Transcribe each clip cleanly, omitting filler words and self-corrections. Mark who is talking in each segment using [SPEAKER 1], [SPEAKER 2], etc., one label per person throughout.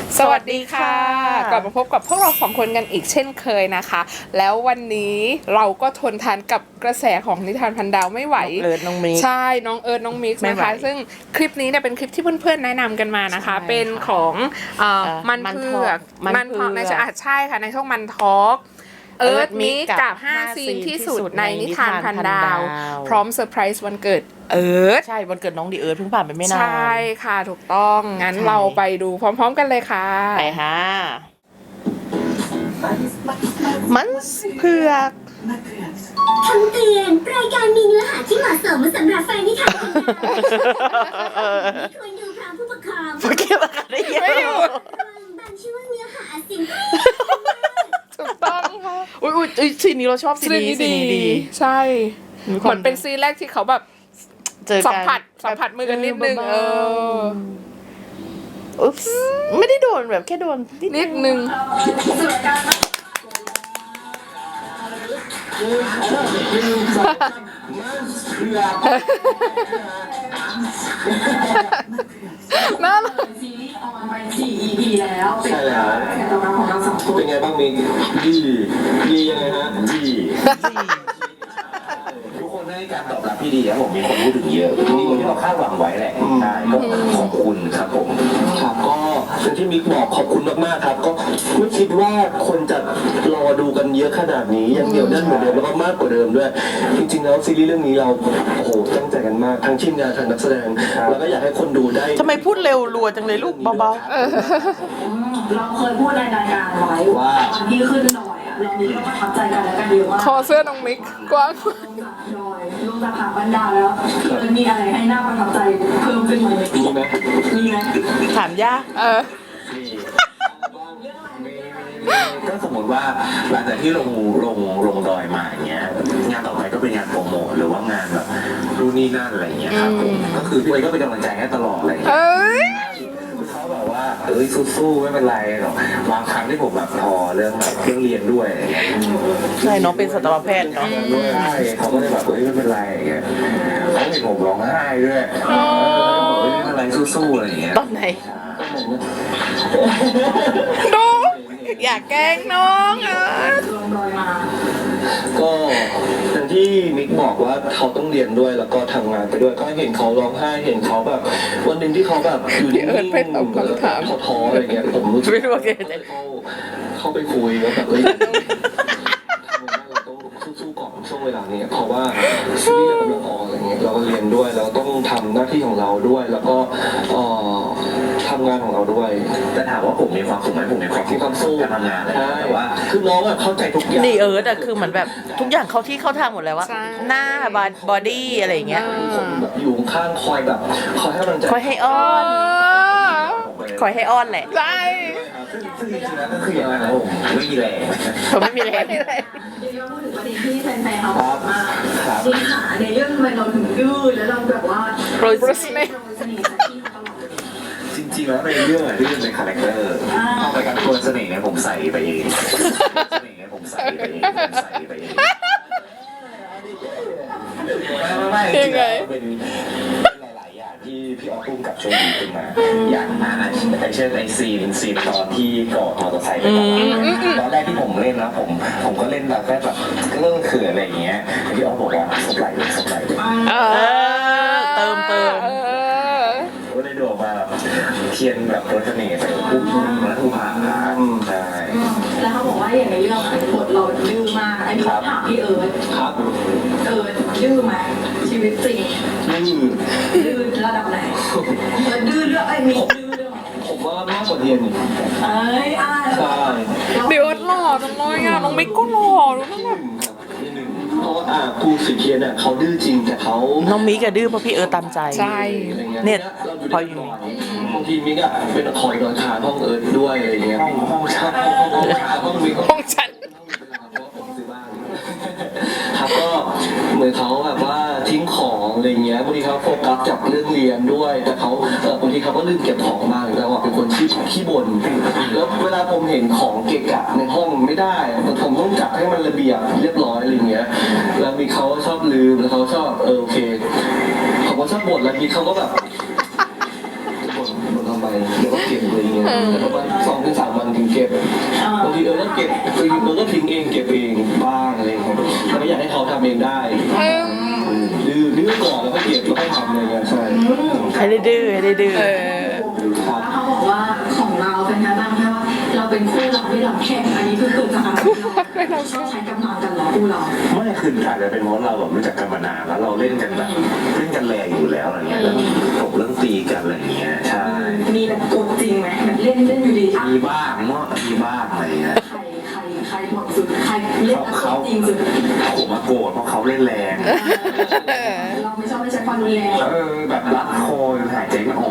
[SPEAKER 1] สวัสดีค่ะกลับมาพบกับพวกเราสองคนกันอีกเช่นเคยนะคะแล้ววันนี้เราก็ทนทานกับกระแสของนิทานพันดาวไม่ไหว
[SPEAKER 2] น้องมิก
[SPEAKER 1] ใช่น้องเอิร์ธน้องมิกซ์นะคะซึ่งคลิปนี้เนี่ยเป็นคลิปที่เพื่อนๆแนะนำกันมานะคะเป็นของมันเผือกในใช่ค่ะในช่องมันทอล์กเอิร์ธมิกกับ5ซีนที่สุดในนิทานพันดาวพร้อมเซอร์ไพรส์วันเกิดเอิร์ธ
[SPEAKER 2] ใช่วันเกิดน้องดีเอิร์ธเพิ่งผ่านไปไม่นาน
[SPEAKER 1] ใช่ค่ะถูกต้องงั้นเราไปดูพร้อมๆกันเลยค่ะ
[SPEAKER 2] ไปค่ะมันเผือก
[SPEAKER 3] คำเตือนรายการมีเนื้อหาที่เหมาะสมสำหรับแฟนนิทานควรดูพร้อมผู้ปกครอง
[SPEAKER 2] เก็บอาการได้เยอะ
[SPEAKER 3] บางช่วงเนื้อหาสิ่ง
[SPEAKER 1] ถูกต้องค่ะ
[SPEAKER 2] อุ้ยซีนนี้เราชอบซีนนี้ดี
[SPEAKER 1] ใช่เหมือนเป็นซีนแรกที่เขาแบบสัมผัสมือกันนิดนึง
[SPEAKER 2] อุ๊บไม่ได้โดนแบบแค่โดน
[SPEAKER 1] นิดนึงน่ารัก
[SPEAKER 4] ซีรีส์ออนไป4 EP แล้ว
[SPEAKER 5] ใช่แล้ว
[SPEAKER 4] ตอบรับของเรา2 คน
[SPEAKER 5] เป็นไงบ้างมิกดียังไงฮะดี
[SPEAKER 6] ทุกคนให้การตอบรับที่ดีครับผมมีคนพูดถึงเยอะมีคนที่เราคาดหวังไว้แหละใช่ก็ขอบคุณครับผม
[SPEAKER 5] ครับก็อย่างที่มิกบอกขอบคุณมากๆครับก็ไม่คิดว่าคนจะรอดูกันเยอะขนาดนี้ยังเดียวแน่นเหมือนเดิมแล้วก็มากกว่าเดิมด้วยจริงๆแล้วซีรีส์เรื่องนี้เราโอ้โหตั้งใจกันมากทั้งทีมงานทั้งนักแสดงแล้วก็อยากให้คนดูได้
[SPEAKER 2] ทำไมพูดเร็วรัวจังเลยลูกเบา
[SPEAKER 4] ๆเราเคยพูดในรายการไว้ว่าตอนที่ขึ้นหน่อยเรามีก็ประทับใจกันแล้วกันเยอะมาก
[SPEAKER 1] คอเสื้อน้องมิกกว้าง
[SPEAKER 4] ลงจากผาบรรดาแล้วมีอะไรให้น่าประทับใจเพิ่มขึ้นไหม
[SPEAKER 5] มีไหม
[SPEAKER 2] ถามยาก
[SPEAKER 6] ก็สมมติว่าหลังจากที่ลงดอยมาอย่างเงี้ยงานต่อไปก็เป็นงานโปรโมทหรือว่างานแบบรุ่นนี่นั่นอะไรเงี้ยครับก็คือพี่ก็เป็นกำลังใจให้ตลอดอะไรเงี้ยเขาแบบว่าสู้ๆไม่เป็นไรหรอกบางครั้งที่ผมแบบพอเรื่องแบบเรียนด้วยอะไรเงี้ย
[SPEAKER 2] ใช่น้องเป็นสัตวแพทย์เนาะ
[SPEAKER 6] ใช่เขาก็เลยแบบไม่เป็นไรอย่างเงี้ยเขาเห็นผมร้องไห้ด้วยไม่เป็นไรสู้ๆอะไรเงี้ย
[SPEAKER 2] ตอนไหน
[SPEAKER 1] ดูอยากแกล้งน้อง
[SPEAKER 5] ก็อย่างที่มิกบอกว่าเขาต้องเรียนด้วยแล้วก็ทำงานไปด้วยก็เห็นเขาร้องไห้เห็นเขาแบบวันหนึ่งที่เขาแบบอยู่นิ่งๆท้ออะไรเงี้ยผมรู้สึกเขาไปคุยแล้วแบบเราต้องสู้ๆก่อนช่วงเวลานี้เพราะว่าซีรีส์กำลังออนอะไรเงี้ยเราก็เรียนด้วยเราต้องทำหน้าที่ของเราด้วยแล้วก็ทำงานของเราด้วย
[SPEAKER 6] แต่ถามว่าผมมีความสุขไหมผมมีความสู้การทำงานแต่ว่า
[SPEAKER 5] คือน้องอะเข้าใจทุกอย่าง
[SPEAKER 2] ดีเอิร์ธอะคือเหมือนแบบทุกอย่างเขาที่เข้าทางหมดเลยว่าหน้าบอดี้อะไรอย่างเงี้ย
[SPEAKER 5] ผมแบบอยู่ข้างคอยแบบคอยให้กำลังใจ
[SPEAKER 2] คอยให้อ้อนคอยให้อ้อนแหละ
[SPEAKER 1] ใช่
[SPEAKER 6] ซึ่งจริงๆแล้วก็คือยังไงนะผมไม่มีแรง
[SPEAKER 2] ผมไม่มีแรง
[SPEAKER 4] เดี๋ยวพูดถึงประเด็นที่แฟนๆเขาบอกมาจริงค่ะในเรื่องทำไมเราถึงดื้อแล้วเราแบบว่า
[SPEAKER 1] โปรยเสน่ห์
[SPEAKER 6] จริงๆแล้วในเรื่องอะที่เป็นคาแรคเตอร์เข้าไปกับตัวเสน่ห์เนี่ยผมใส่ไปเองเสน่ห์เนี่ยผมใส่ไปเองไม่จริงๆเป็นหลายๆอย่างที่พี่ออฟพุ่มกับโชว์ดีขึ้นมาอย่างเช่นไอซีนตอนที่กอดมอเตอร์ไซค์ไปตอนแรกที่ผมเล่นนะผมก็เล่นแบบเรื่องเขื่อนอะไรอย่างเงี้ยพี่ออฟบอกว่าสบายเลย
[SPEAKER 2] เติม
[SPEAKER 6] ก็ได้ดูออกมาเทียนแบบรถเสน่ห์ใส่ปุ๊บแล้วผู้ผ่าใช่
[SPEAKER 4] แล้วเขาบอกว่าอย่างในเรื่องบทเราดื้อมากไอ้พี่ถามพี่เอิร์ธดื้อไหมชีวิตจริงดื้อระดับไหนดื้อเรื่องไอ้มีดื้อเรื่อง
[SPEAKER 5] ผมว่ามากกว่าเทียนอีก
[SPEAKER 4] ใช่
[SPEAKER 1] เดี๋ยวหล่อจังเลยอ่ะน้องมิกก็หล่อดูนั่นแบบ
[SPEAKER 5] เพราะครูสุเทียนเนี่ยเขาดื้อจริงแต่เขา
[SPEAKER 2] น้องมิกอะดื้อเพราะพี่เอิร์ธตามใจ
[SPEAKER 1] ใช่
[SPEAKER 2] เนี่ยพออยู่
[SPEAKER 5] บางทีมิกอะเป็นคอยนอนขาห้องเอิร์ธด้วยอะไรเงี้ยห้องฉันครับก็เหมือนเขาแบบว่าทิ้งของอะไรเงี้ยบางทีเขาโฟกัสจากเรื่องเรียนด้วยแต่เขาบางทีเขาก็ลืมเก็บของมากแล้วเป็นคนขี้บ่นแล้วเวลาผมเห็นของเกะกะในห้องไม่ได้ผมต้องจัดให้มันระเบียบเรียบร้อยอะไรเงี้ยแล้วมีเขาชอบลืมแล้วเขาชอบโอเคเขาก็ชอบบ่นแล้วมีเขาก็แบบบ่นทำไมเดี๋ยวก็เก็บอะไรเงี้ยแต่ประมาณ2 ถึง 3 วันถึงเก็บบางทีก็เก็บก็ทิ้งเองเก็บเองบ้างอะไรเงี้ยแต่ก็อยากให้เขาทำเองได้ดื้อก่อนแล้วก็เก็บแล้วก็ทำอะไรเงี้ยใช่
[SPEAKER 2] ให้ได้ดื้อให้ได้ดื้อ
[SPEAKER 5] ครับ
[SPEAKER 4] แล้วเขาบอกว่าของเราเป็นการตั้งแค่ว่าเราเป็นคู่รักไม่หลับแข่งอันนี้คือเกิดจากอะไรเราชอบใช้กำลังกันเหรอคู่เรา
[SPEAKER 6] ไม่คืออาจจะเป็นเพราะเราแบบรู้จักกันมานานแล้วเราเล่นกันแบบเล่นกันแรงอยู่แล้วอะไรเงี้ยแล้วจบเรื่องตีกันอะไรเงี้ยใช่
[SPEAKER 4] มีแบบโกรธจริงไหมแบบเล่นอยู่ดีอ่ะ
[SPEAKER 6] มีบ้างเนาะมีบ้างอะไรเงี้ย
[SPEAKER 4] ใครหมดสุดใครเล่นแล้วจริงสุด
[SPEAKER 6] ผมมาโกรธเพราะเขาเล่นแรง
[SPEAKER 4] เราไม่ชอบไม่ใช้ความรุนแรง
[SPEAKER 6] แบบรัดคอหายใจไม่ออก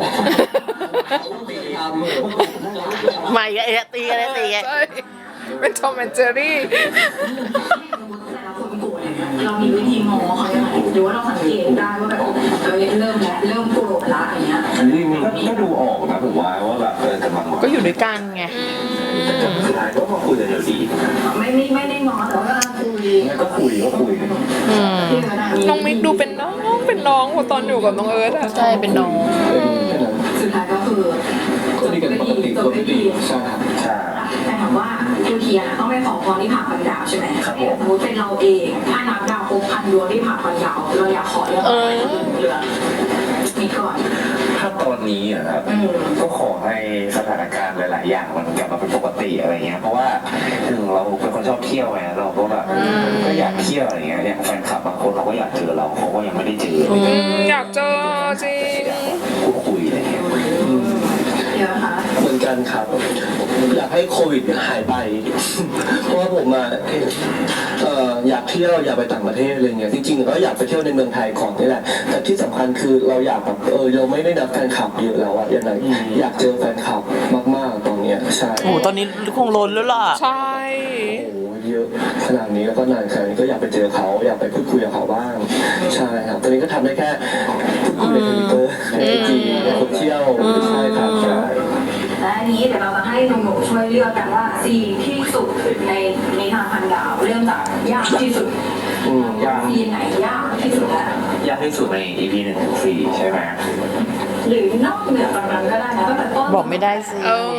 [SPEAKER 2] ใหม่ก็ตีกันเลยตีกัน
[SPEAKER 1] ใช่เป็นทอมแอนเจอรี่
[SPEAKER 4] แต่ละคนโกรธเรามีวิธีงอเขายังไงหรือว่าเราสังเกตได้ว่าแบบเริ่มโกรธละอย่างเงี้ย
[SPEAKER 6] อันนี้ก็ดูออกนะผมว่าแบบกำลัง
[SPEAKER 2] ก็อยู่ด้วยกันไง
[SPEAKER 6] แต่สุดท้ายก็มาคุยกันอยู่ดี
[SPEAKER 4] ไม่ได้งอแต่ว่าคุย
[SPEAKER 6] งั้นก็คุย
[SPEAKER 1] น้องมิกดูเป็นน้องตอนอยู่กับน้องเอิร์ธอะ
[SPEAKER 2] ใช่เป็นน้อง
[SPEAKER 4] สุดท้ายก็คือ
[SPEAKER 5] ก็ดีกันปกติตัวไม่ดีใช่ครับ
[SPEAKER 6] ใช่
[SPEAKER 4] แต่ถามว่าคือเทียต้องไปขอพรที่ผ่าพันดาวใช่ไหมสมมติเป็นเราเองถ้านับดาวครบ1,000 ดวงที่ผ่าพันดาวเราอยากขอเรื่องอะไรเหลือมีก่อน
[SPEAKER 6] ถ้าตอนนี้อะครับก็ขอให้สถานการณ์หลายๆอย่างมันกลับมาเป็นปกติอะไรเงี้ยเพราะว่าเราเป็นคนชอบเที่ยวไงเราก็แบบก็อยากเที่ยวอะไรเงี้ยอย่างแฟนคลับบางคนเขาก็อยากเจอเราเขาก็ยังไม่ได้เจอ
[SPEAKER 1] อยากเจอจริง
[SPEAKER 6] พูดคุยอะไรเงี้ย
[SPEAKER 4] เดี๋ยวนะคะ
[SPEAKER 5] เหมือนกันครับอยากให้โควิดหายไป เพราะว่าผมมาอยากเที่ยวอยากไปต่างประเทศอะไรเงี้ยจริงๆก็อยากไปเที่ยวในเมืองไทยของนี่แหละแต่ที่สำคัญคือเราอยากแบบเราไม่ได้นับแฟนคลับเยอะแล้วอะอย่างไรอยากเจอแฟนคลับมากๆตอนเนี้ยใช่
[SPEAKER 2] โอ้ตอนนี้คงล้นแล้วล่ะ
[SPEAKER 1] ใช่
[SPEAKER 5] โอ้เยอะขนาดนี้แล้วก็นานขนาดนี้ก็อยากไปเจอเขาอยากไปพูดคุยกับเขาบ้างใช่ครับตอนนี้ก็ทำได้แค่พูดคุยในTwitterในIGในโซเชียลใช่ครับใช่
[SPEAKER 4] และอันนี้เดี๋ยวเราจะให้หนุ่มๆช่วยเลือกกันว่าซีที่สุดในนิทานพันดาวเริ่มจากยากที่สุด
[SPEAKER 6] ยาก
[SPEAKER 4] ซีไหนยากที่สุดแล้ว
[SPEAKER 6] ยากที่สุดใน EP 1 ถึง 4ใช่ไหม
[SPEAKER 4] หรือนอกเหนือจากนั้นก็ได้นะตั้งแต่ต้น
[SPEAKER 2] บอกไม่ได้สิ
[SPEAKER 1] เออ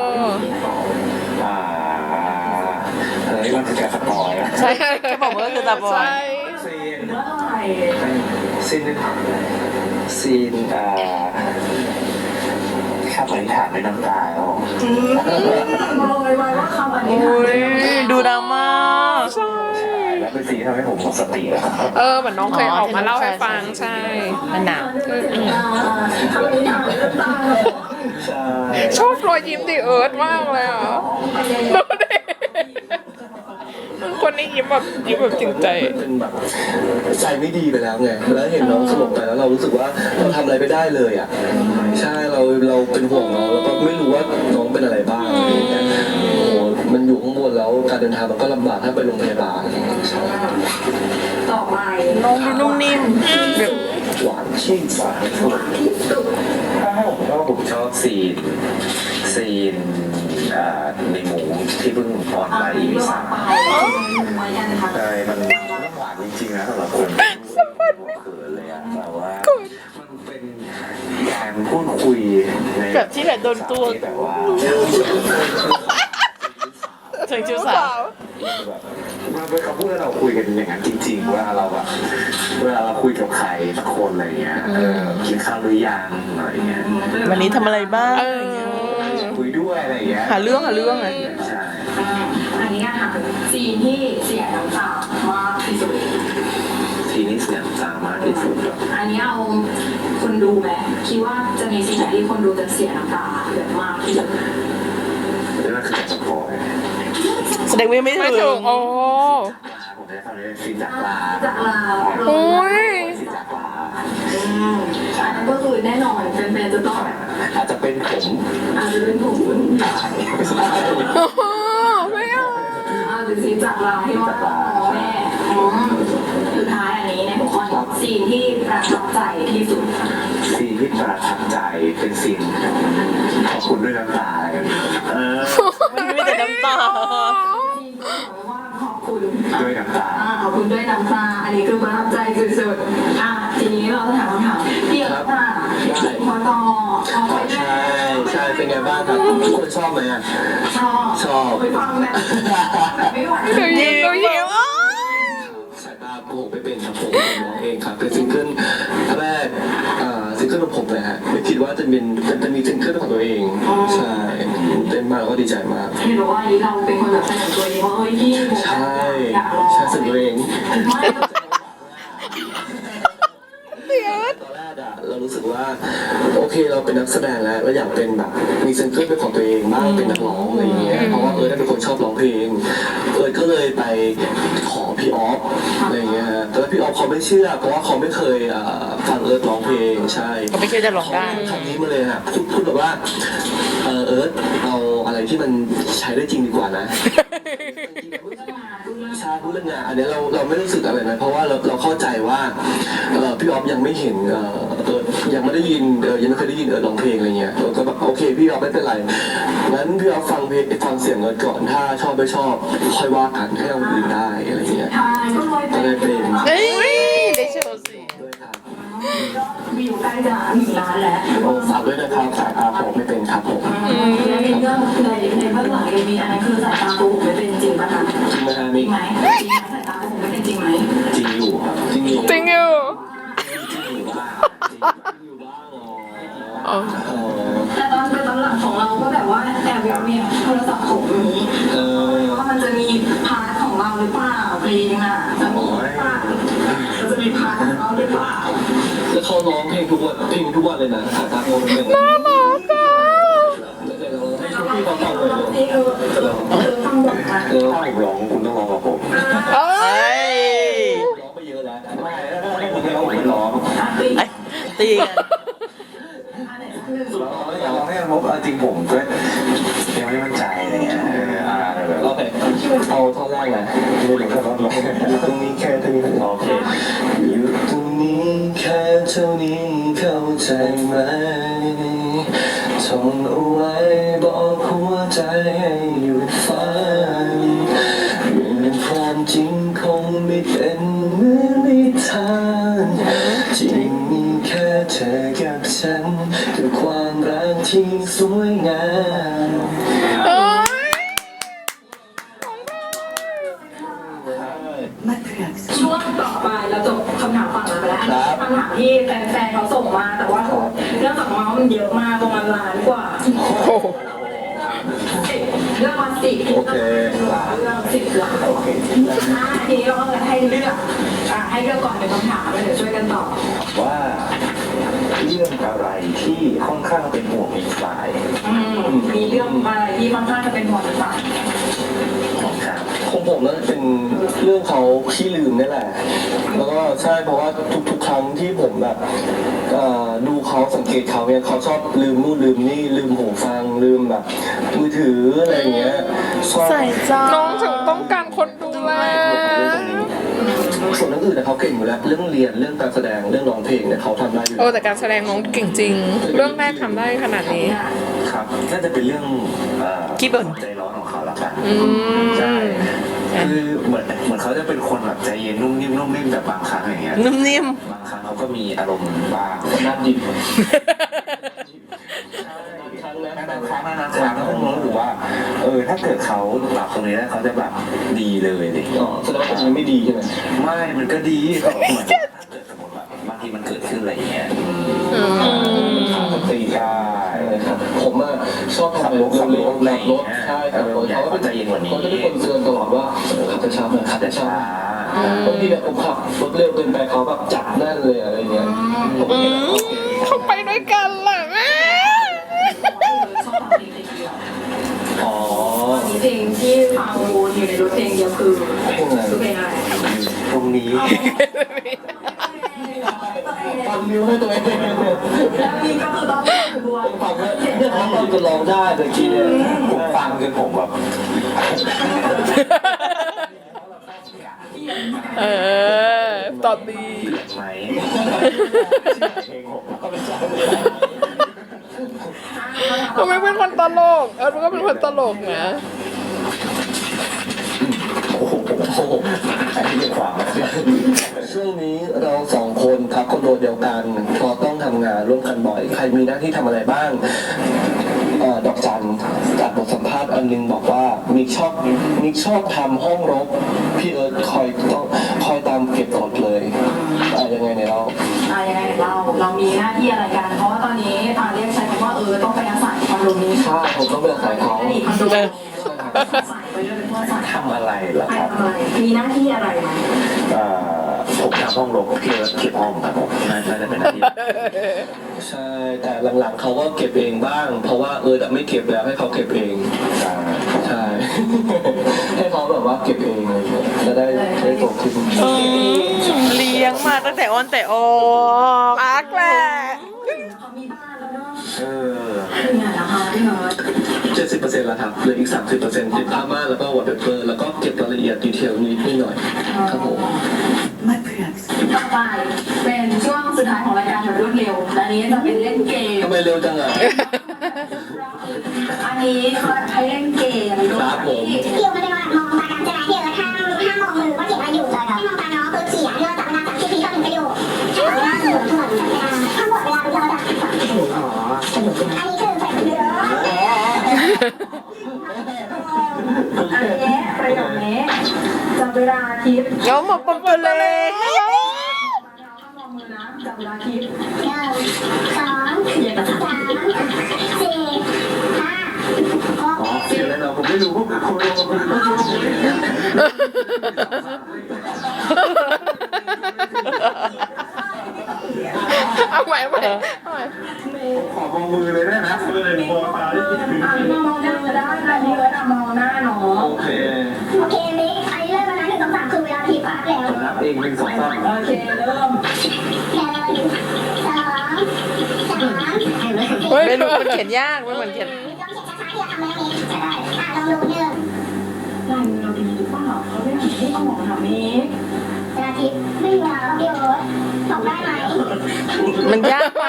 [SPEAKER 6] เฮ้ยมันคือการสปอยล์
[SPEAKER 2] ใช่แค่บอกว่าก็คือตาบอด
[SPEAKER 1] ใช่
[SPEAKER 6] ซีน
[SPEAKER 4] ว่าอะไร
[SPEAKER 6] ซีนขับอธิษฐานด้วยน้ำตาแล้ว
[SPEAKER 4] บอกเลยว่าคำอธิษฐาน
[SPEAKER 2] ดูดราม่า
[SPEAKER 1] ใช่
[SPEAKER 6] แล้วเป็นซีนที่ทำให้ผมหมดสติแล้ว
[SPEAKER 1] เหมือนน้องเคยออกมาเล่าให้ฟังใช่
[SPEAKER 2] มันหนัก
[SPEAKER 4] คำอธิษฐานด้วยน้ำตา
[SPEAKER 6] ใช่
[SPEAKER 1] ชอบรอยยิ้มดิเอิร์ธมากเลยอ่ะดูดิคนนี้ยิ้มแบบจริงใจ
[SPEAKER 5] เป็นแบบใจไม่ดีไปแล้วไงแล้วเห็นน้องสลบไปแล้วเรารู้สึกว่าเราทำอะไรไม่ได้เลยอ่ะใช่เราเป็นห่วงน้องแล้วก็ไม่รู้ว่าน้องเป็นอะไรบ้างอะไรอย่างเงี้ยโอ้โหมันอยู่ข้างบนแล้วการเดินทางมันก็ลำบากถ้าไปโรงพยาบาลใช่
[SPEAKER 4] ต่อไป
[SPEAKER 2] น้องดูนุ่มนิ่มแบบ
[SPEAKER 5] หวานชื่นหวาน
[SPEAKER 4] ที่สุด
[SPEAKER 6] ถ้าให้ผมชอบซีนในหมูที่เพิ่งออนไป EP 3
[SPEAKER 4] ไว้กันค่ะ
[SPEAKER 6] ใช่มันหวานจริงๆนะสำหรับคนเขินเลยอะแต่ว่ามันเป็นการพูดคุยใน
[SPEAKER 2] แบบที่แบบโดนตัว
[SPEAKER 6] ที่แบบว่า
[SPEAKER 2] ถึงชิวสาว
[SPEAKER 6] มันเป็นคำพูดที่เราคุยกันอย่างนั้นจริงๆเวลาเราคุยกับใครสักคนอะไรเงี้ยกินข้าวหรือยังอะไรเงี้ย
[SPEAKER 2] วันนี้ทำอะไรบ้าง
[SPEAKER 6] คุยด้วยอะไรเงี้ย
[SPEAKER 2] หาเรื่องไง
[SPEAKER 6] ใช่
[SPEAKER 4] อันนี้ค่ะซีนที่เสียน้ำตามากที่สุด
[SPEAKER 6] ทีนี้เสียงจางมากที่สุด
[SPEAKER 4] อันนี้เอาคนดูไหมคิดว่าจะมีซีนไหนที่คนดูจะเสียน้ำตาแบบมากที่สุด
[SPEAKER 6] นี่มันคือการสปอย
[SPEAKER 2] แสดงว่าไม่
[SPEAKER 1] ไม่
[SPEAKER 2] ถึ
[SPEAKER 1] ถึ
[SPEAKER 2] ง
[SPEAKER 1] งโอ้
[SPEAKER 6] ผมได้ทำในซีนจากลา
[SPEAKER 4] จากลา
[SPEAKER 1] โอ้ย
[SPEAKER 6] ซีนจากลา
[SPEAKER 4] อันนั้นก็คือแน่นอนแฟนๆจะต้อง
[SPEAKER 6] อาจจะเป็นผม
[SPEAKER 4] อาจจะเป็นผม
[SPEAKER 1] ไม่เอา
[SPEAKER 4] หรือซีนจากลาที่ว่าแม่สุดท้ายอันนี้ในหัวข้อนี้ซีนที่ประทับใจที่สุด
[SPEAKER 6] ซีนที่ประทับใจเป็นซีนขอบคุณด้วยน้ำตาอะไรกัน
[SPEAKER 2] มันไม่แต่น้ำตา
[SPEAKER 4] ว่าขอบคุณ
[SPEAKER 6] ด้วยน้ำตา
[SPEAKER 4] ขอบคุณด้วยน้ำตาอันนี้คือประทับใจสุดๆทีนี้เราจะถามคำถามพี่เอิร์ธ
[SPEAKER 5] ครับ
[SPEAKER 4] อ่า
[SPEAKER 5] ได้
[SPEAKER 4] มาต่อเอาไป
[SPEAKER 5] ใช่ใช่เป็นไงบ้างครับทุกคนชอบไหมอ่ะ
[SPEAKER 4] ชอบไปฟังแบบไม่ไหว
[SPEAKER 1] ดูยิ้มดูยิ้ม
[SPEAKER 5] สายตาโกหกไม่เป็นครับผมร้องเองครับเป็นซิงเกิลแรกซิงเกิลของผมเลยฮะไม่คิดว่าจะมีซิงเกิลของตัวเองใช่เต้นมากแล้วก็ดีใจมาก
[SPEAKER 4] เห็นบอกว่าอันนี้เราเป็นคนแบบเสนอตัวเองว่าเฮ้ยพี่ผม
[SPEAKER 5] ใช่
[SPEAKER 4] อยากลอง
[SPEAKER 5] ใช่สิ่งตัวเอง
[SPEAKER 4] ไม่
[SPEAKER 5] ตอนแรกอะเรารู้สึกว่าโอเคเราเป็นนักแสดงแล้วเราอยากเป็นแบบมีซิงเกิลเป็นของตัวเองบ้างเป็นนักร้องอะไรอย่างเงี้ยเพราะว่าได้เป็นคนชอบร้องเพลงก็เลยไปขอพี่ออฟอะไรอย่างเงี้ยฮะแต่ว่าพี่ออฟเขาไม่เชื่อเพราะว่าเขาไม่เคยฟังร้องเพลงใช่
[SPEAKER 2] เขาไม่เชื่อจะร้องได้
[SPEAKER 5] คำนี้มาเลยฮะพูดแบบว่าเอาอะไรที่มันใช้ได้จริงดีกว่านะใช่พูดเรื่องงานอันนี้เราไม่รู้สึกอะไรนะเพราะว่าเราเข้าใจว่าพี่ออฟยังไม่เห็นยังไม่ได้ยินยังไม่เคยได้ยินร้องเพลงอะไรเงี้ยก็แบบโอเคพี่ออฟไม่เป็นไรงั้นพี่ออฟฟังเพลงฟังเสียงก่อนถ้าชอบไม่ชอบค่อยว่ากันให้เราอื่นได้อะไรเงี้ย
[SPEAKER 4] ทายก็ลอยไป
[SPEAKER 5] ก็ได้เป็น
[SPEAKER 2] เอ้ยได้โชว์สิ
[SPEAKER 5] ด้วยครับ
[SPEAKER 4] วิวใกล้จะ1 ล้านแล้ว
[SPEAKER 5] ฝากด้วยนะครับสายตาผมไม่เป็นครับผม
[SPEAKER 4] แล้วในเรื่องในเบื้องหลังยังมีอันนั้นคือสายตาโกหกไม่เป็นจริงป่ะคะ
[SPEAKER 5] จริงไหมฮะ
[SPEAKER 4] จริ
[SPEAKER 5] มิ
[SPEAKER 4] ง
[SPEAKER 5] ก
[SPEAKER 4] ไหมจริงไหมสายตาโกหกไม่เป็นจริงไหม
[SPEAKER 5] จริงอยู่ครับจริงอยู่
[SPEAKER 1] จริงอยู่
[SPEAKER 5] อยู่บ้างอยู่บ้างอ๋อ
[SPEAKER 4] แต่ตอนหลังของเราก็แบบว่าแอบมีโทรศัพท์ของนี้ว่ามันจะมีพาร์ทของเราหรือเปล่าเพลงอ่ะจะมีหรือเปล่าจะมีพาร์ทของเราหรือเปล่า
[SPEAKER 5] แล้วเขาร้องเพลงทุกวันเลยนะสายตาโมเป็นน่ารักอ่ะเดี๋ยวเราให้พี่เขาฟังเลย
[SPEAKER 4] ฟังบทมา
[SPEAKER 6] ถ้าผมร้องคุณต้องร้องกับผม
[SPEAKER 2] เอ้ย
[SPEAKER 5] ร้องไปเยอะแล้ว
[SPEAKER 6] ไม่คุณไม่ร้องผมไม่ร้อง
[SPEAKER 2] ไอ้ตีกัน
[SPEAKER 6] ร้องให้มันพบจริงผมก็ยังไม่มั่นใจอะไรเงี้ยแบบ
[SPEAKER 5] โอเคเอาท่อนแรกนะ
[SPEAKER 6] ไม่รู้ถ้าร้องอยู่ตรงนี้แค่เท่านี้โอเค
[SPEAKER 5] อยู่ตรงนี้แค่เท่านี้เข้าใจไหมท่องเอาไว้บอกหัวใจให้หยุดฝันเป็นความจริงคงไม่เป็นเหมือนนิทานจริงมีแค่เธอกับฉันคือความรักที่สวยงาม
[SPEAKER 4] ช่วงต่อไปเราจบคำถามฝั่งนั้นไปแล้วคำถามที่แฟนๆเขาส่งมาแต่ว่าเรื่องจากเมาส์มันเยอะมากประมาณ1 ล้านกว่าเรื่องวัน10เรื่อง10 ล้านทีนี้เราก็เลยให้เลือกก่อนเป็นคำถามแล้วเดี๋ยวช่วยกันตอบ
[SPEAKER 6] ว่าเรื่องอะไรที่ค่อนข้างเป็นห่วงอีกฝ่าย
[SPEAKER 4] มีเรื่องอะไรที่ค่อนข้างจะเป็นห่วงอีกฝ่าย
[SPEAKER 6] ครับ
[SPEAKER 5] ของผมน่าจะเป็นเรื่องเขาขี้ลืมนี่แหละ แล้วก็ใช่เพราะว่าทุกครั้งที่ผมแบบดูเขาสังเกตเขาเนี่ยเขาชอบลืมนู่นลืมนี่ลืมหูฟังลืมแบบมือถืออะไรอย่างเงี้ยชอบ
[SPEAKER 2] ใส่ใจ
[SPEAKER 1] น้องถึงต้องการคนดูแล
[SPEAKER 5] ส่วนเรื่องอื่นเนี่ยเขาเก่งอยู่แล้วเรื่องเรียนเรื่องการแสดงเรื่องร้องเพลงเนี่ยเขาทำได้อยู่
[SPEAKER 1] โอ้แต่การแสดงน้องเก่งจริง เรื่องแรกทำได้ขนาดนี้
[SPEAKER 6] ครับน่าจะเป็นเรื่อง
[SPEAKER 2] ขี้บ่น
[SPEAKER 6] ใจร้อนของเขาละกัน
[SPEAKER 1] ม
[SPEAKER 6] ใช่คือเหมือนเขาจะเป็นคนแบบใจเย็นนุ่มนิ่มแบบบางครั้งอย่างเงี้ย
[SPEAKER 2] นุ่มนิ่ม
[SPEAKER 6] บางครั้งเขาก็มีอารมณ์บ้าง
[SPEAKER 5] น่าดิบ
[SPEAKER 6] บางครั้งแล้วผมรู้สึกว่าถ้าเกิดเขาปรับตรงนี้แล้วเขาจะแบบดีเลยดิ
[SPEAKER 5] อ๋อแสดงว่าคนนี้ไม่ดีใช่ไหม
[SPEAKER 6] ไม่มันก็ดีก็เหมือนถ้าเกิดสมมติแบบบางทีมันเกิดขึ้นอะไรอย่างเงี้ย
[SPEAKER 5] ขาดสติได้ครับผมอะชอบขับรถขับรถใช่ขับรถเขาก็จะเป็นคนเตือนตลอดว่าขับช้าหน่อยขับช้าบางทีแบบผมขับรถเร็วเกินไปเขาแบบจับแน่นเลยอะไรเงี้ย
[SPEAKER 1] เขาไปด้วยกันล่ะแม่
[SPEAKER 4] ชอบฟังเพลงเดียว
[SPEAKER 5] อ๋อ
[SPEAKER 4] มีเพลงที่ฟังวนอยู่ในรถเพลงเดียวคือ
[SPEAKER 5] เพลงอะไร
[SPEAKER 4] เพลงอะไร
[SPEAKER 6] ตรงนี้
[SPEAKER 5] ฟังมิวให้ตัวเอง
[SPEAKER 4] แล้วนี่ก็คือต้องวน
[SPEAKER 5] ฟังเนี่ยเขาจะร้องได้แต่ทีเนี่ย
[SPEAKER 6] ผมฟังจนผมแบบ
[SPEAKER 1] เออตอบดี
[SPEAKER 6] ไหม
[SPEAKER 1] เขาไม่เป็นคนตลกมันก็เป็นคนตลกนะ
[SPEAKER 6] โอ้โหผม
[SPEAKER 5] โหอันนี้เป็นความช่วงนี้เราสองคนครับคอนโดเดียวกันพอต้องทำงานร่วมกันบ่อย ใครมีหน้าที่ทำอะไรบ้างดอกจันจากบทสัมภาษณ์อันนึงบอกว่ามิกชอบทำห้องรกพี่เอิร์ธคอยตามเก็บกดเลยยังไงเนี่ย
[SPEAKER 4] ยังไงเรามีหน้าที่อะไรกัน เพราะว่าตอนนี้เรียกใช้คำว่าต้องไปอาศัยคอนโดนี้
[SPEAKER 5] ใช่ผมต้องไปอาศัยเขา
[SPEAKER 4] คอนโดใส่ไปด้วยเป็นเพื่อนใส่
[SPEAKER 6] ทำอะไรเหรอครับ
[SPEAKER 4] มีหน้าที่อะไรไหม
[SPEAKER 6] ผมทำห้องรกพี่เก็บห้องครับผมน่าจะเป็นหน้าที่
[SPEAKER 5] ใช่แต่หลังๆเขาก็เก็บเองบ้าง เพราะว่าไม่เก็บแล้วให้เขาเก็บเองใช่ ให้เขาแบบว่าเก็บเองเลยจะได้โตขึ้น
[SPEAKER 2] เลี้ยงมาตั้งแต่อ้อนแต่ออก
[SPEAKER 1] รักแหละ
[SPEAKER 4] เขามีบ้านแล้วเนาะ
[SPEAKER 6] เออ
[SPEAKER 4] เป็นไงล่ะคะพี่เอิร์ธ
[SPEAKER 5] 70%แล้วครับเหลืออีก 30%ติดผ้าม่านแล้วก็วอลเปเปอร์แล้วก็เก็บรายละเอียดดีเทลนิดหน่อยครับผม
[SPEAKER 4] ไม่เพื่อนต่อไปเป็นช่วงสุดท้ายของรายการแบบรวดเร็วและอันนี้จะเป็นเล่นเกม
[SPEAKER 5] ทำไมเร็วจังอ่ะ
[SPEAKER 4] อันนี้เขาให้เล่นเกมด้วย
[SPEAKER 5] ครับผม
[SPEAKER 3] เดี๋ยวมันเป็นว่ามองตากันใช่ไหมเดี๋ยวห้ามมองมือว่าเขียนอะไรอยู่เลยให้มองตาน้องคือเขียนเรื่องจากเวลาจากที่พี่ต้องเป็นประโยชน์ถ้าหมดเวลาเหมือนทั้งหมดเวลาเราจะอันนี้คือใส่เยอะ
[SPEAKER 4] อันนี้ประโยคนี้จับเวลาทิป
[SPEAKER 2] เงาหมดปมตัวเล็ก
[SPEAKER 4] ห้ามมองมือนะจับเวลาทิป
[SPEAKER 3] 1 2
[SPEAKER 4] เขียนกับ
[SPEAKER 3] 3 4 5
[SPEAKER 6] เขียนอะไรเราผมไม่รู้ผมไม่
[SPEAKER 1] เอาใหม่
[SPEAKER 6] ขอมองมือเลยได้นะเลยมองตาได้ยิน
[SPEAKER 4] มองหน้าก็ได้แต่นี่เอิร์ธมองหน้าน้อง
[SPEAKER 5] โอเค
[SPEAKER 3] โอเคมิกอันนี้เริ่มแล้วนะ1 2 3คือเวลาทีปั๊บแล้ว
[SPEAKER 6] นับเอง1 2 3
[SPEAKER 4] โอเคเริ่ม
[SPEAKER 1] เฮ้ย
[SPEAKER 2] ไม่รู้มันเขียนยากมันเหมือนเขียน
[SPEAKER 3] ลองเขียนช้าๆที่เราทำได้ไหมลองดู1
[SPEAKER 4] ลายมือเราดีหรือเปล่าเขาไม่ทำให้ออกค่ะมิก
[SPEAKER 3] เวลาทิพย์ไม่มีเวลาแล้วพี่โอ๊ตตอบได้ไหม
[SPEAKER 2] มันยากไป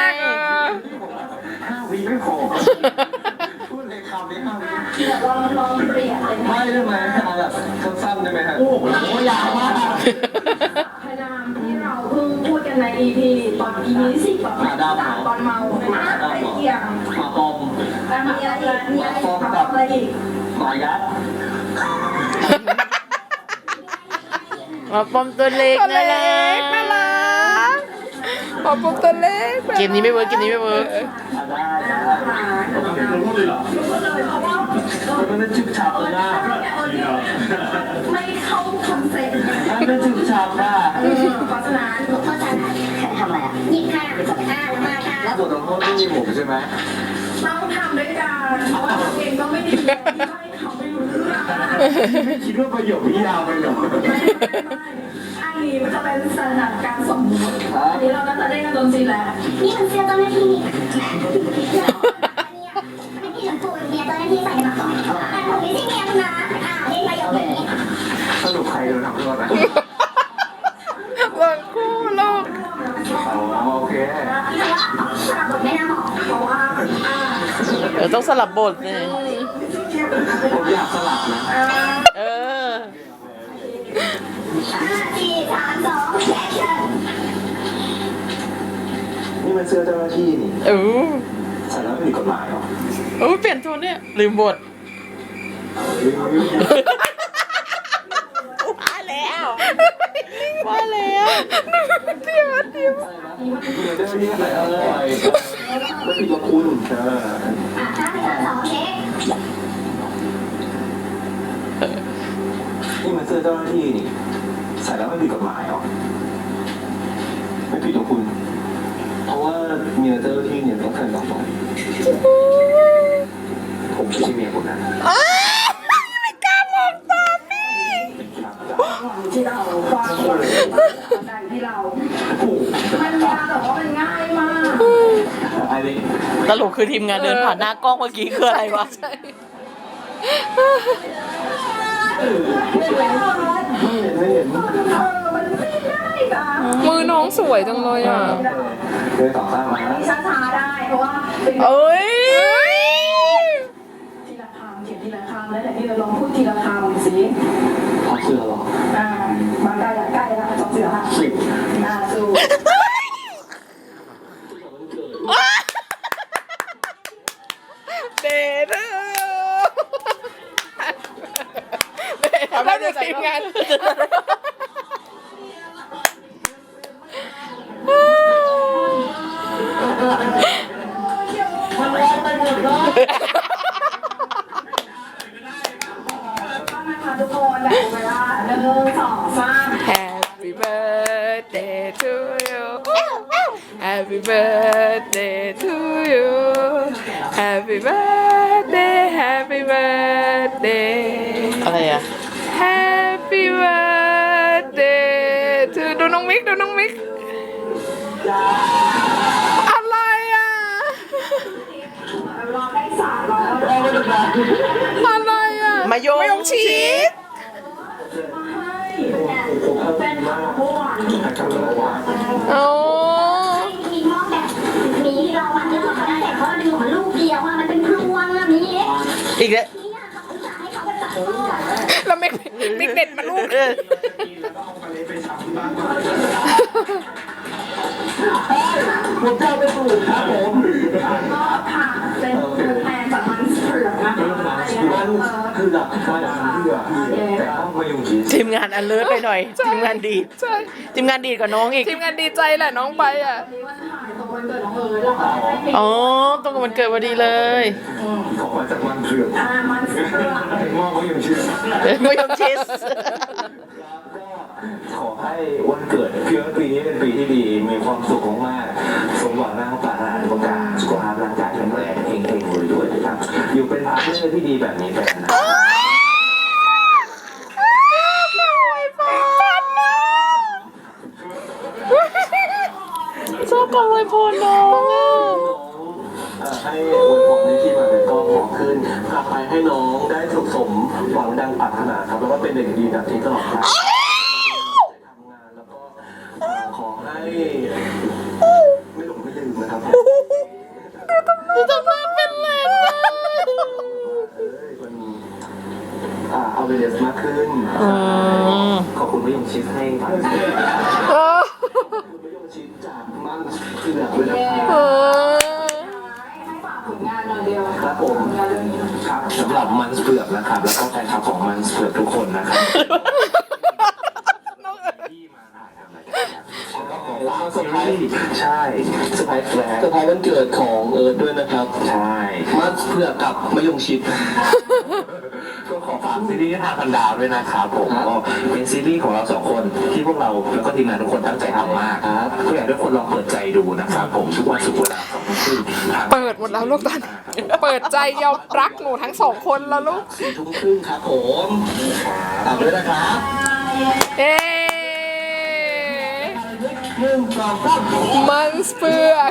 [SPEAKER 6] 5 วิไม่พอพูดเลยคำนี้5 วิ
[SPEAKER 4] เดี๋ยวลองเปลี่ยนเลยนะ
[SPEAKER 5] ไม่ได้ไหมเอาแบบสั้นๆได้ไหมฮะ
[SPEAKER 6] โอ้โหยาวมาก
[SPEAKER 4] พยายามที่เราเพิ่งพูดกันใน EP ตอน EP 10แบบตอนเมาไอ้เกี่ยง
[SPEAKER 5] มาปอม
[SPEAKER 4] มีอะไรอีกมีอะไรอีก
[SPEAKER 5] มายัด
[SPEAKER 2] มาปมตัวเล็ก
[SPEAKER 1] ตัว
[SPEAKER 2] น่า
[SPEAKER 1] เล็
[SPEAKER 2] รั
[SPEAKER 1] กน่ารักปอปุ๊บตัวเล็ก
[SPEAKER 2] เกมนี้ไม่เวิร์กเกมนี้ไม่เวิร์ก
[SPEAKER 5] มันเป็นจุดฉับเลยนะ
[SPEAKER 4] ไม่เข้าคอนเซ็ปต์
[SPEAKER 5] มันเป็นจุดฉับนะ
[SPEAKER 4] เพราะฉะนั้น
[SPEAKER 3] เพราะฉะนั้นทำอะไรอ่ะหยิบค่ะแล้วมาค่ะ
[SPEAKER 5] แล้วบทลงโทษไม่มีผมใช่ไหม
[SPEAKER 4] ต้องทำด้วยกันเพราะว่าตัวเองก็ไม่ดีที่ให้เขาไม่รู้เรื่อง
[SPEAKER 6] คิดว่าประโยคนี้ยาวไปเหรอ
[SPEAKER 4] อันนี้มันจะเป็นสถานการณ์สมมติอันนี้เราก็จะเล่นกันจนซีแล้ว
[SPEAKER 3] นี่มันเสื้อเจ้าหน้าที่อันนี้ชมพูเมียเจ้าหน้าที่ใส่มาก่อนแต่ผมไม่ใช่เมียคุณนะเล่นประโยคนี้
[SPEAKER 6] สรุปใครโดนทำโทษนะ
[SPEAKER 1] หล่นคู่ลูก
[SPEAKER 6] อ๋อโอเค
[SPEAKER 3] แต่ว่าสลับบทไม่น่าเหมาะเพราะว่า
[SPEAKER 2] ต้องสลับบทเลย
[SPEAKER 5] ผมอยากสลับนะ
[SPEAKER 2] เออ
[SPEAKER 3] 4 3 2แอคชั่น
[SPEAKER 6] นี่มันเสื้อเจ้าหน้าที่นี่ ใส่แล้วไม่ผิดกฎหมายหรอ
[SPEAKER 2] เปลี่ยนตัวเนี่ยลืมบทว่าแล้ว
[SPEAKER 5] เดี๋ยวเจ้าหน้าที่ใส่อะไรไม่ผิดกับคุณ
[SPEAKER 3] 5 4 3 2เช็ค
[SPEAKER 6] นี่มันเสื้อเจ้าหน้าที่นี่ ใส่แล้วไม่ผิดกฎหมายหรอ
[SPEAKER 5] ไม่ผิดกับคุณ เพราะว่าเมียเจ้าหน้าที่เนี่ยต้องการดอกไม้
[SPEAKER 6] ผมไม่ใช่เมียคุณนะ
[SPEAKER 4] ที่เราฟังการที่เรามันยากแต่ว่ามันง่ายมาก
[SPEAKER 5] ไอ้นี่
[SPEAKER 2] ตลกคือทีมงานเดินผ่านหน้ากล้องเมื่อกี้คืออะไรวะ
[SPEAKER 5] ไม่เห็น
[SPEAKER 4] มันไม่ได้จ้ะ
[SPEAKER 1] มือน้องสวยจังเลยอ่ะ
[SPEAKER 5] เลยต่อข้างมา
[SPEAKER 4] ช้าๆได้เพราะว่าเป็น
[SPEAKER 1] เอ้ย
[SPEAKER 4] ทีละคำเขียนทีละคำแล้วแต่ที่เราลองพูดทีละคำสิ
[SPEAKER 5] ถอดเสื้อหรอ
[SPEAKER 1] to you แล้วดูทีมงาน
[SPEAKER 4] ต้องนะคะทุกคนแบบเวลา1 2 3
[SPEAKER 1] Happy birthday to you Happy birthday to you Happy birthday Happy birthday
[SPEAKER 2] อะไรอ่ะ
[SPEAKER 1] Happy birthday to ดูน้องมิกดูน้องมิกอะไรอ่ะ
[SPEAKER 4] รอได้300
[SPEAKER 1] อะไรอ่ะ
[SPEAKER 2] มายง
[SPEAKER 1] ชีส
[SPEAKER 4] เป็นของเมื่อวาน
[SPEAKER 1] โอ้
[SPEAKER 3] มีมองแบบมีที่เราวันเดียวเขาได้แต่เขาดึงของลูกเดียวมันเป็นพลวงอะมี
[SPEAKER 2] อีกแล้ว
[SPEAKER 3] นี่เขาอุตส่าห์ให้เขาไปตัดต้น
[SPEAKER 1] แล้วมิกเด็ดมาลูก
[SPEAKER 5] ผมจะไปปลูกครับผม
[SPEAKER 4] ก็ค่ะเป็นตัวแทนจากมันเผือกนะคะ
[SPEAKER 5] คือหลักการเพื่อแต่ต้องมายุ่งชีส
[SPEAKER 2] ทีมงานอันเลิศไปหน่อย ทีมงานดีด
[SPEAKER 1] ใช่
[SPEAKER 2] ทีมงานดีดกว่าน้องอีก
[SPEAKER 1] ทีมงานดีใจแหละน้องไปอ่ะ
[SPEAKER 4] วันถ่ายตรงวันเกิดน้องเอิร์ธเราก็ได้เพลง
[SPEAKER 2] อ๋อตรงกับวันเกิดพอดีเลย
[SPEAKER 5] ของมาจากมันเผือก
[SPEAKER 4] มันเผือก
[SPEAKER 5] มอบมายุ่งชีส
[SPEAKER 2] มายงชิส
[SPEAKER 5] ขอให้วันเกิดพี่ปีนี้เป็นปีที่ดีมีความสุขมากๆสมหวังในปรารถนาทุกประการสุขภาพร่างกายแข็งแรงเฮงๆรวยๆนะครับอยู่เป็นพาร์ทเนอร์ที่ดีแบบนี้ไปนาน
[SPEAKER 2] ชอบกองไวยพรน้องอ่ะ
[SPEAKER 5] ให้อวยพรในที่มาเป็นก็ขอขึ้นกลับไปให้น้องได้สุขสมหวังดังปรารถนาครับแล้วก็เป็นเด็กดีแบบนี้ตลอดไปทำงานแล้วก็ขอให้ไม่หลงไม่ลืมนะครับ
[SPEAKER 2] จะทำหน้าเป็นเลนนะ
[SPEAKER 5] มันเอาเวเดสมากขึ้นขอบคุณไม่ยงชิดให้ครับไม่ยงชิดจากมันคือแบบเลยนะครับ
[SPEAKER 4] ให้ฝากผลงานหน่อยเดียว
[SPEAKER 5] ครับผมครับสำหรับมันเผือกนะครับแล้วก็แฟนคลับของมันเผือกทุกคนนะครับที่มาถ่ายทำรายการแล้วก็เซอร์ไพรส์ใช่เซอร์ไพรส์แรกเซอร์ไพรส์วันเกิดของเอิร์ธด้วยนะครับใช่มันเผือกกับมะยงชิดก็ขอฝากซีรีส์ทางพันดาวด้วยนะครับผมก็เป็นซีรีส์ของเราสองคนที่พวกเราแล้วก็ทีมงานทุกคนตั้งใจทำมากครับก็อยากให้ทุกคนลองเปิดใจดูนะครับผมทุกวันศุกร์เวลา2 ทุ่ม
[SPEAKER 1] เปิดหมดแล้วลูกตอนเปิดใจยอมรักหนูทั้ง2 คนแล้วลูก
[SPEAKER 5] 4 ทุ่มครึ่งครับผมตามด้วยนะครับ
[SPEAKER 1] เอ๊
[SPEAKER 5] 1 2 3
[SPEAKER 1] มันเปือก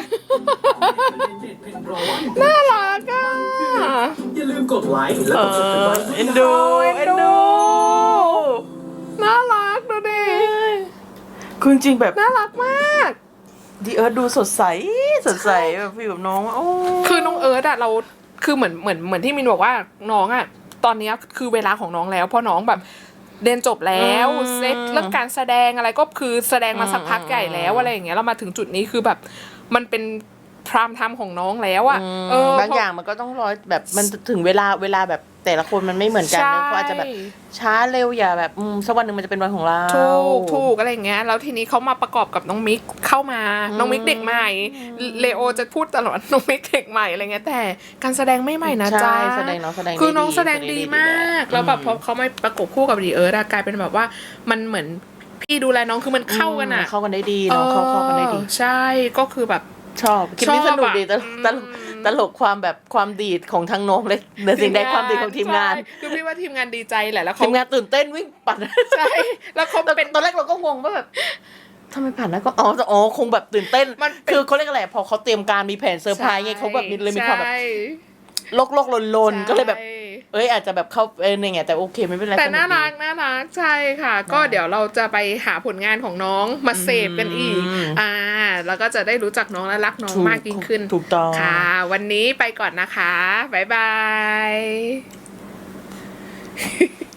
[SPEAKER 1] น่ารักอ่ะ
[SPEAKER 5] อย่าลืมกดไลค์และ
[SPEAKER 2] เอก
[SPEAKER 5] ด subscribe
[SPEAKER 2] เอ็นดู
[SPEAKER 1] เอ็นดู น่ารักดูดิ
[SPEAKER 2] คือจริงๆแบบ
[SPEAKER 1] น่ารักมาก
[SPEAKER 2] ดีเอิร์ธดูสดใสสดใสแบบฟิลแบบน้องโอ้
[SPEAKER 1] คือน้องเอิร์ธอะเราคือเหมือนที่มินบอกว่าน้องอะตอนเนี้ยคือเวลาของน้องแล้วเพราะน้องแบบเรียนจบแล้วเซตเรื่องการแสดงอะไรก็คือแสดงมาสักพักใหญ่แล้วอะไรอย่างเงี้ยเรามาถึงจุดนี้คือแบบมันเป็นพรามไทม์ของน้องแล้วอะ
[SPEAKER 2] บางอย่างมันก็ต้องรอแบบมันถึงเวลาแบบแต่ละคนมันไม่เหมือนกันเลยเขาอาจจะแบบช้าเร็วอย่าแบบสักวันหนึ่งมันจะเป็นวันของเรา
[SPEAKER 1] ถูกอะไรอย่างเงี้ยแล้วทีนี้เขามาประกอบกับน้องมิกเข้ามาน้องมิกเด็กใหม่เลโอจะพูดตลอดน้องมิกเด็กใหม่อะไรเงี้ยแต่การแสดงไม่ใหม่นะจ๊ะ
[SPEAKER 2] ใช่แสดงน้องแสดง
[SPEAKER 1] คือน้องแสดงดีมากแล้วแบบพอเขาไม่ประกบคู่กับดีเอิร์ธกลายเป็นแบบว่ามันเหมือนพี่ดูแลน้องคือมันเข้ากันอะ
[SPEAKER 2] เข้ากันได้ดีน้องเข้ากันได้ดี
[SPEAKER 1] ใช่ก็คือแบบ
[SPEAKER 2] ชอบคลิปนี้สนุกดีตลกความแบบความดีดของทั้งน้องเลยในสิ่งใดความดีของทีมงาน
[SPEAKER 1] ใช่คือพี่ว่าทีมงานดีใจแหละแล้วเขา
[SPEAKER 2] ทีมงานตื่นเต้นวิ่งปั่น
[SPEAKER 1] ใช่แล้วเขาเป็น
[SPEAKER 2] ตอนแรกเราก็งงว่าแบบทำไมผ่านแล้วก็อ๋อคงแบบตื่นเต้น
[SPEAKER 1] มันเป็น
[SPEAKER 2] คือเขาเรียกอะไรพอเขาเตรียมการมีแผนเซอร์ไพรส์ไงเขาแบบเลยมีความแบบ
[SPEAKER 1] ใช่
[SPEAKER 2] โลกลนก็เลยแบบ
[SPEAKER 1] ใช่
[SPEAKER 2] อาจจะแบบเข้าเนี่ยไงแต่โอเคไม่เป็นไร
[SPEAKER 1] แต่
[SPEAKER 2] สก
[SPEAKER 1] น่า
[SPEAKER 2] ดี
[SPEAKER 1] รักใช่ค่ะ ก็เดี๋ยวเราจะไปหาผลงานของน้องมาเสพกันอีก แล้วก็จะได้รู้จักน้องและรักน้องมากยิ่งขึ้น
[SPEAKER 2] ถูกต้อง
[SPEAKER 1] ค่ะ วันนี้ไปก่อนนะคะบ๊ายบาย